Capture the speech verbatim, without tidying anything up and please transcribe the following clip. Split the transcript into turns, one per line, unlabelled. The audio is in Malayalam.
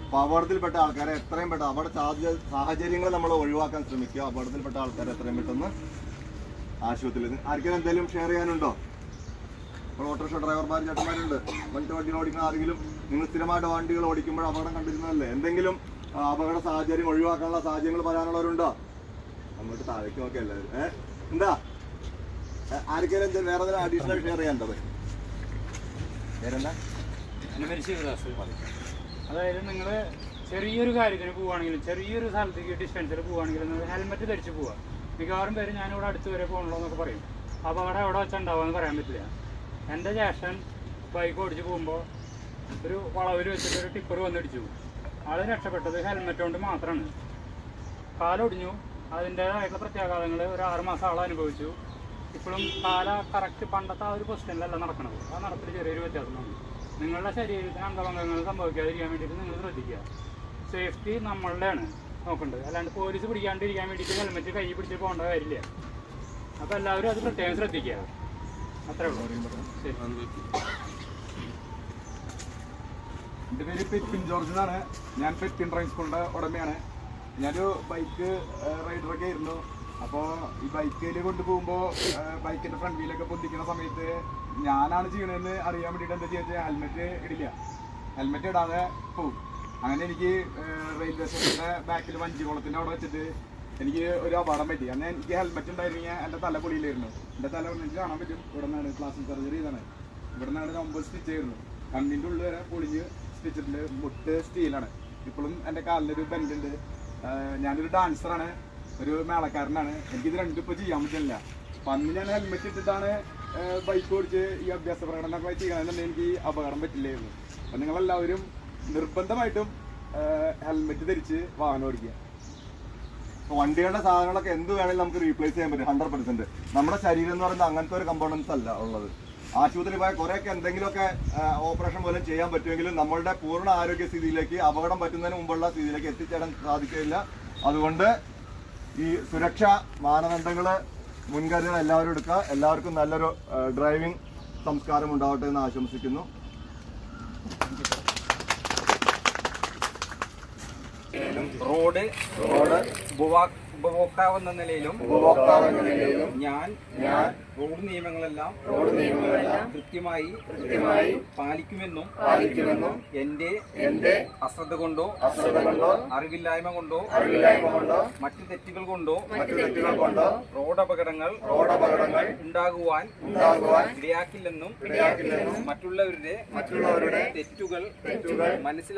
അപ്പൊ അപകടത്തിൽപ്പെട്ട ആൾക്കാരെ എത്രയും പെട്ടെന്ന് അപകട സാധ്യത സാഹചര്യങ്ങൾ നമ്മൾ ഒഴിവാക്കാൻ ശ്രമിക്കുക. അപകടത്തിൽപ്പെട്ട ആൾക്കാരെ എത്രയും പെട്ടെന്ന് ആശുപത്രിയിൽ. ആർക്കെങ്കിലും എന്തെങ്കിലും ഷെയർ ചെയ്യാനുണ്ടോ? ഇപ്പോൾ ഓട്ടോറിക്ഷ ഡ്രൈവർമാർ ചേട്ടന്മാരുണ്ട്, വണ്ടി വണ്ടികൾ ഓടിക്കുന്ന ആരെങ്കിലും നിങ്ങൾ സ്ഥിരമായിട്ട് വണ്ടികൾ ഓടിക്കുമ്പോൾ അപകടം കണ്ടിരുന്നതല്ലേ? എന്തെങ്കിലും അപകട സാഹചര്യം ഒഴിവാക്കാനുള്ള സാഹചര്യങ്ങൾ പറയാനുള്ളവരുണ്ടോ? അങ്ങോട്ട് താഴേക്ക് നോക്കിയ എല്ലാവരും ഏഹ് എന്താ ആർക്കെങ്കിലും എന്തെങ്കിലും വേറെ എന്തെങ്കിലും അഡീഷണൽ ഷെയർ ചെയ്യാനുണ്ടോ? വേറെന്താ?
അതായത് നിങ്ങൾ ചെറിയൊരു കാര്യത്തിന് പോവുകയാണെങ്കിലും ചെറിയൊരു സ്ഥലത്തേക്ക് ഡിസ്റ്റൻസിൽ പോവുകയാണെങ്കിലും ഹെൽമെറ്റ് ധരിച്ച് പോവുക. മിക്കവാറും പേര് ഞാനിവിടെ അടുത്ത് വരെ പോകണല്ലോ എന്നൊക്കെ പറയും. അപകടം എവിടെ വെച്ചാൽ ഉണ്ടാവുമെന്ന് പറയാൻ പറ്റില്ല. എൻ്റെ ജ്യേഷ്ഠൻ ബൈക്ക് ഓടിച്ച് പോകുമ്പോൾ ഒരു വളവിൽ വെച്ചിട്ട് ഒരു ടിപ്പർ വന്നിടിച്ചു. ആൾ രക്ഷപ്പെട്ടത് ഹെൽമെറ്റ് കൊണ്ട് മാത്രമാണ്. കാലൊടിഞ്ഞു, അതിൻ്റേതായിട്ടുള്ള പ്രത്യാഘാതങ്ങൾ ഒരു ആറുമാസം ആൾ അനുഭവിച്ചു. ഇപ്പോഴും കാല കറക്റ്റ് പണ്ടത്തെ ആ ഒരു പൊസിഷനിലല്ല നടക്കണത്. ആ നടപ്പിൽ ചെറിയൊരു വ്യത്യാസമാണ്. നിങ്ങളുടെ ശരീരത്തിന് അംഗഭംഗങ്ങൾ സംഭവിക്കാതിരിക്കാൻ വേണ്ടിയിട്ട് നിങ്ങൾ ശ്രദ്ധിക്കുക. സേഫ്റ്റി നമ്മളുടെയാണ് നോക്കേണ്ടത്, അല്ലാണ്ട് പോലീസ് പിടിക്കാണ്ടിരിക്കാൻ വേണ്ടിയിട്ട് ഹെൽമെറ്റ് കൈ പിടിച്ച് പോകേണ്ട കാര്യമില്ല. അപ്പോൾ എല്ലാവരും അത് പ്രത്യേകം ശ്രദ്ധിക്കുക. അത്രേ ഉള്ളൂ. ശരി.
എൻ്റെ പേര് പെറ്റിൻ ജോർജ് എന്നാണ്. ഞാൻ പെറ്റിൻ ഡ്രൈവിംഗ് സ്കൂളിൻ്റെ ഉടമയാണ്. ഞാനൊരു ബൈക്ക് റൈഡറൊക്കെ ആയിരുന്നു. അപ്പോൾ ഈ ബൈക്കിൽ കൊണ്ടുപോകുമ്പോൾ ബൈക്കിൻ്റെ ഫ്രണ്ട് വീലൊക്കെ പൊന്തിക്കുന്ന സമയത്ത് ഞാനാണ് ചെയ്യണതെന്ന് അറിയാൻ വേണ്ടിയിട്ട് എന്താ ചെയ്യുക, ഹെൽമെറ്റ് ഇടില്ല. ഹെൽമെറ്റ് ഇടാതെ പോകും. അങ്ങനെ എനിക്ക് റെയിൽവേ സ്റ്റേഷൻ്റെ ബാക്കിൽ വഞ്ചികുളത്തിൻ്റെ അവിടെ വെച്ചിട്ട് എനിക്ക് ഒരു അപകടം പറ്റി. അന്ന് എനിക്ക് ഹെൽമെറ്റ് ഉണ്ടായിരുന്നെങ്കിൽ എൻ്റെ തല പൊളിയിലായിരുന്നു. എൻ്റെ തല എനിക്ക് കാണാൻ പറ്റും. ഇവിടെ നിന്നാണ് പ്ലാസ്റ്റിക് സർജറി ചെയ്താണ്. ഇവിടെ നിന്നാണ് ഒമ്പത് സ്റ്റിച്ച് ആയിരുന്നു. കണ്ണിൻ്റെ ഉള്ളിൽ വരെ പൊളിഞ്ഞ് സ്റ്റിച്ചിട്ടുണ്ട്. മുട്ട് സ്റ്റീലാണ്. ഇപ്പോഴും എൻ്റെ കാലിനൊരു ബെൻഡുണ്ട്. ഞാനൊരു ഡാൻസറാണ്, ഒരു മേളക്കാരനാണ്. എനിക്കിത് രണ്ടും ഇപ്പോൾ ചെയ്യാൻ പറ്റില്ല. അപ്പം അന്ന് ഞാൻ ഹെൽമെറ്റ് ഇട്ടിട്ടാണ് ബൈക്ക് ഓടിച്ച് ഈ അഭ്യാസ പ്രകടനമൊക്കെ ചെയ്യണമെന്നുണ്ടെങ്കിൽ എനിക്ക് അപകടം പറ്റില്ലായിരുന്നു. അപ്പം നിങ്ങളെല്ലാവരും നിർബന്ധമായിട്ടും ഹെൽമെറ്റ് ധരിച്ച് വാഹനം ഓടിക്കുക.
വണ്ടികളുടെ സാധനങ്ങളൊക്കെ എന്ത് വേണമെങ്കിലും നമുക്ക് റീപ്ലേസ് ചെയ്യാൻ പറ്റും ഹൺഡ്രഡ് പെർസെന്റ്. നമ്മുടെ ശരീരം എന്ന് പറയുന്നത് അങ്ങനത്തെ ഒരു കമ്പോണൻസ് അല്ല ഉള്ളത്. ആശുപത്രി പോയാൽ കുറേയൊക്കെ എന്തെങ്കിലുമൊക്കെ ഓപ്പറേഷൻ പോലും ചെയ്യാൻ പറ്റുമെങ്കിലും നമ്മളുടെ പൂർണ്ണ ആരോഗ്യ സ്ഥിതിയിലേക്ക് അപകടം പറ്റുന്നതിന് മുമ്പുള്ള സ്ഥിതിയിലേക്ക് എത്തിച്ചേരാൻ സാധിക്കില്ല. അതുകൊണ്ട് ഈ സുരക്ഷാ മാനദണ്ഡങ്ങൾ മുൻകരുതൽ എല്ലാവരും എടുക്കുക. എല്ലാവർക്കും നല്ലൊരു ഡ്രൈവിംഗ് സംസ്കാരം ഉണ്ടാവട്ടെ എന്ന് ആശംസിക്കുന്നു.
റോഡ് റോഡ് ഉപഭോക്താവെന്ന നിലയിലും ഞാൻ ഞാൻ റോഡ് നിയമങ്ങളെല്ലാം റോഡ് നിയമങ്ങളെല്ലാം കൃത്യമായി കൃത്യമായി പാലിക്കുമെന്നും പാലിക്കുമെന്നും എന്റെ എന്റെ അശ്രദ്ധ കൊണ്ടോ അശ്രദ്ധ കൊണ്ടോ അറിവില്ലായ്മ കൊണ്ടോ അറിവില്ലായ്മ കൊണ്ടോ മറ്റു തെറ്റുകൾ കൊണ്ടോ മറ്റു തെറ്റുകൾ കൊണ്ടോ റോഡ് അപകടങ്ങൾ റോഡ് അപകടങ്ങൾ ഉണ്ടാകുവാൻ ഉണ്ടാകുവാൻ ഇടയാക്കില്ലെന്നും ഇടയാക്കില്ലെന്നും മറ്റുള്ളവരുടെ മറ്റുള്ളവരുടെ തെറ്റുകൾ തെറ്റുകൾ മനസ്സിലാക്കി